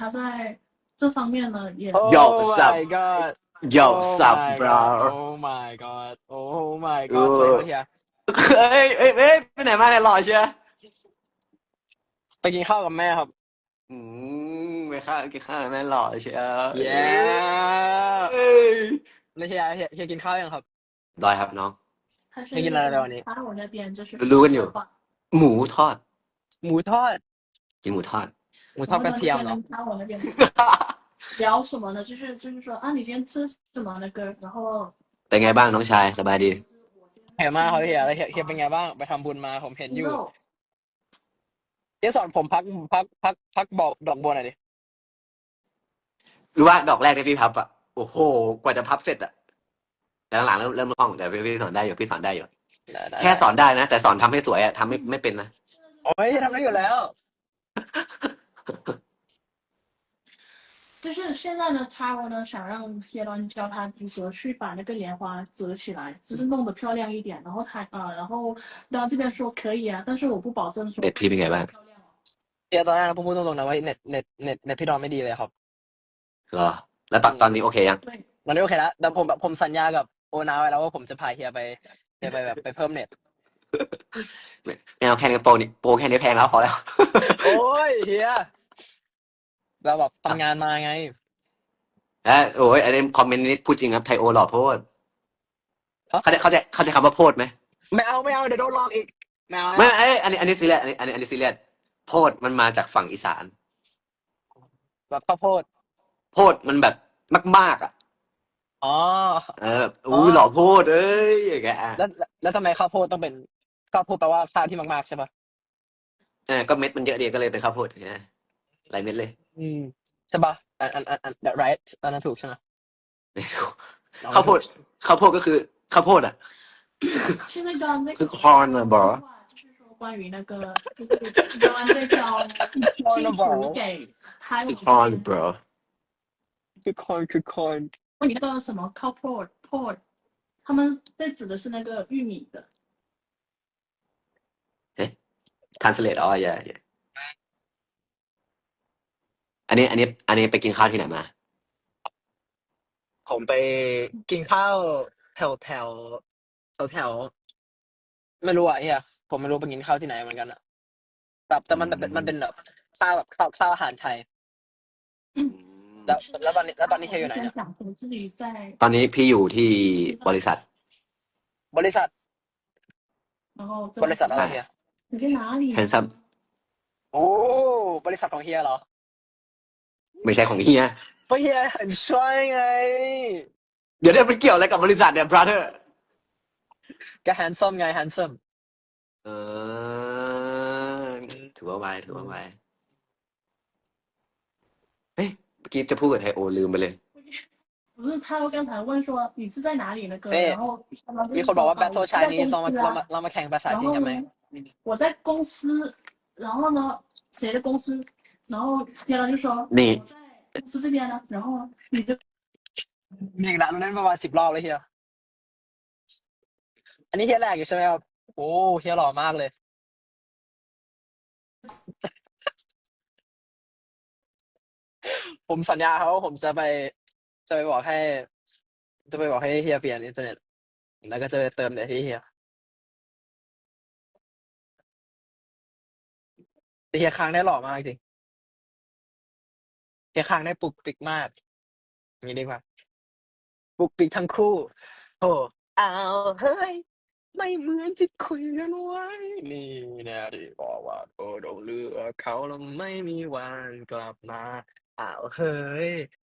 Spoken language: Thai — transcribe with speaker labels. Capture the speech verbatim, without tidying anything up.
Speaker 1: 他在这方面呢也
Speaker 2: Yo
Speaker 3: Oh
Speaker 2: what's up
Speaker 3: my god
Speaker 2: Yo
Speaker 3: Oh
Speaker 2: what's up
Speaker 3: my
Speaker 2: bro
Speaker 3: god Oh my god Oh my
Speaker 2: เอ
Speaker 3: god สวย
Speaker 2: อ
Speaker 3: ครับเฮีย
Speaker 2: เอ้ยเอ้ยเอ้ยไปไหนมาเนี่ยหล่อเชียว
Speaker 3: ไปกินข้าวกับแม่ครับ
Speaker 2: อืมไปข้าวกินข้าวแม่หล่อเชียว
Speaker 3: Yeah
Speaker 2: เอ้ย
Speaker 3: แล้วเฮียเฮียเฮียกินข้าวยังครับ
Speaker 2: รอยครับน้อง
Speaker 1: 他是
Speaker 3: เฮียกินอะไรวันนี้
Speaker 1: 他我那边就是
Speaker 2: รู้กันอยู่ หมูทอด
Speaker 3: หมูทอด
Speaker 2: กินหมูทอด
Speaker 3: หมูทอดกระเทียมเหรอ
Speaker 1: 他我那边聊什么呢？就是就是说啊，你今天吃什么那个，然后
Speaker 2: เป็นไงบ้างน้องชายสบายดี
Speaker 3: เฮียมากครับเฮียแล้วเฮียเฮียเป็นไงบ้างไปทำบุญมาผมเห็นอยู่
Speaker 1: 肉
Speaker 3: เฮียสอนผมพักพักพักพักบอกดอกบัวหน่อยดิ
Speaker 2: รู้ว่าดอกแรกที่พี่พับอ่ะโอ้โหกว่าจะพับเสร็จอ่ะแต่หลังๆเริ่มเริ่มคล่องแต่พี่พี่สอนได้อยู่พี่สอนได้อยู่
Speaker 3: ได้ได้
Speaker 2: แค่สอนได้นะแต่สอนทำให้สวยอ่ะทำไม่ไม่เป็นนะ
Speaker 3: โอ้ยทำได้อยู่แล้ว
Speaker 1: 就是现在呢，他我呢想让叶端教他如何去把那个莲花折起来，只是弄得漂亮一点。然后他啊、呃然后然后这边说可以啊，但是我不保证说
Speaker 2: เด็ดพี่เป็นไงบ้าง
Speaker 1: 漂亮哦。
Speaker 3: เฮียตอนแรกผมพูดตรงๆนะว่าเน็ตเน็ตเน็ตเน็ตพี่ดอนไม่ดีเลยครับ
Speaker 2: เหรอแล้วตอนตอนนี้โอเคยัง
Speaker 1: 对，
Speaker 3: ตอนนี้โอเคแล้วแต่ผมแบบผมสัญญากับโอนาไว้แล้วว่าผมจะพาเฮียไปเฮียไปแบบไปเพิ่มเน็ต
Speaker 2: ไม่ไม่เอาแค่นี้โปรนี่โปรแค่นี้แพงแล้วพอแล้ว
Speaker 3: โอ้ยเฮียเราแบบทำงานมาไง
Speaker 2: แล้วโอ้ยอันนี้คอมเมนต์นี้พูดจริงครับไทโอหล่อโพด
Speaker 3: ฮะ
Speaker 2: เขาใจเขาใจเข้าใจคำว่าโพดไหม
Speaker 3: ไม่เอาไม่เอาเดี๋ยวโดนหลอกอีกไม่เอา
Speaker 2: ไม่
Speaker 3: นะ
Speaker 2: เอ้ยอันนี้อันนี้ซีเรียสอันนี้อันนี้อันนี้ซีเรียสโพดมันมาจากฝั่งอีสาน
Speaker 3: แบบข้าวโพด
Speaker 2: โพดมันแบบมากๆอ่ะ
Speaker 3: อ๋อ
Speaker 2: เออแบบอู้หล่อโพดเอ้ยอย่างเงี้ยอ่ะ
Speaker 3: แล้วแล้วแล้วทำไมข้าวโพดต้องเป็นข้าวโพดแปลว่าข้าวที่มากๆใช่ปะ
Speaker 2: เออก็เม็ดมันเยอะดีก็เลยเป็นข้าวโพดอย่างเงี้ยหลายเม็ดเลย
Speaker 3: อืมใช่ปะอันอันอันอัน that right อันนั้นถูกใช่ไหม
Speaker 2: ไม่รู้
Speaker 3: เอา
Speaker 2: ข้าวโพดข้าวโพดก็คือข้าวโพดอ่ะ
Speaker 1: 是那个那
Speaker 2: คือ
Speaker 1: 个
Speaker 2: คอนอะบอ
Speaker 1: 就是说关于那个就是叶端在教基础给他
Speaker 2: คือคอน bro
Speaker 3: คือคอนคือคอน
Speaker 1: 问你那个什么 cow pod pod，他们在指的是那个玉米的。
Speaker 2: translate อ๋ออย่าอย่าอันนี้อันนี้อันนี้ไปกินข้าวที่ไหนมา
Speaker 3: ผมไปกินข้าวแถวแถวแถวแถวไม่รู้อ่ะเฮียผมไม่รู้ไปกินข้าวที่ไหนเหมือนกันอ่ะแต่แต่มันเป็นมันเป็นแบบข้าวแบบข้าวข้าวอาหารไทย
Speaker 2: อืม
Speaker 3: แล้วแล้วตอนนี้แล้วตอนนี้เฮียอยู่ไหนเนี่ย
Speaker 1: 讲我自己在
Speaker 2: ตอนนี้พี่อยู่ที่บริษัท
Speaker 3: บริษัท
Speaker 1: 然后这
Speaker 3: บริษัทอะไรเฮีย
Speaker 1: 你在哪里？
Speaker 2: แฮนซัม
Speaker 3: โอ้บริษัทของเฮียเหรอ
Speaker 2: ไม่ใช่ของเฮีย
Speaker 3: เพราะเฮีย很帅ไง
Speaker 2: เดี๋ยวเนี่ยมันเกี่ยวอะไรกับบริษัทเนี่ย brother
Speaker 3: ก็ handsome ไง handsome
Speaker 2: เออถือว่าไวถือว่าไวเฮ้ยเมื่อกี้จะพูดกับไทโอลืมไปเลย
Speaker 1: 不是他刚才问说你是在哪里那个，
Speaker 3: 对
Speaker 1: 然后
Speaker 3: มีคนบอกว่า battle
Speaker 1: 我在
Speaker 3: Chinese
Speaker 1: 公
Speaker 3: เรามา
Speaker 1: 司
Speaker 3: เรา
Speaker 1: 啊
Speaker 3: มาเรามาแข่งภาษา
Speaker 1: 然
Speaker 3: จีน
Speaker 1: 后
Speaker 3: กันไหม
Speaker 1: 呢，我在公司，然后呢，谁的公司？然后天狼就说
Speaker 2: 你
Speaker 1: 我在公司这边呢，然后你就
Speaker 3: มีอีกแล้วเราเล่นประมาณสิบรอบเลยเฮียอันนี้เฮียแรกอยู่ใช่ไหมครับโอ้เฮียหล่อมากเลย ผมสัญญาเขาว่าผมจะไปจะไปบอกให้ จะไปบอกให้เฮียเปลี่ยนอินเทอร์เน็ตแล้วก็จะไปเติมเน็ตที่เฮียแต่เฮียค้างได้หล่อมากจริงเฮียค้างได้ปุกปิกมากอย่างนี้ดีกว่าปุกปิกทั้งคู่โอ้เอาเฮ้ยไม่เหมือนที่คุยกันไว้ นี่นะที่บอกว่าโอ้เราเลือกเขาแล้วไม่มีวันกลับมาอ้าวเฮ้ย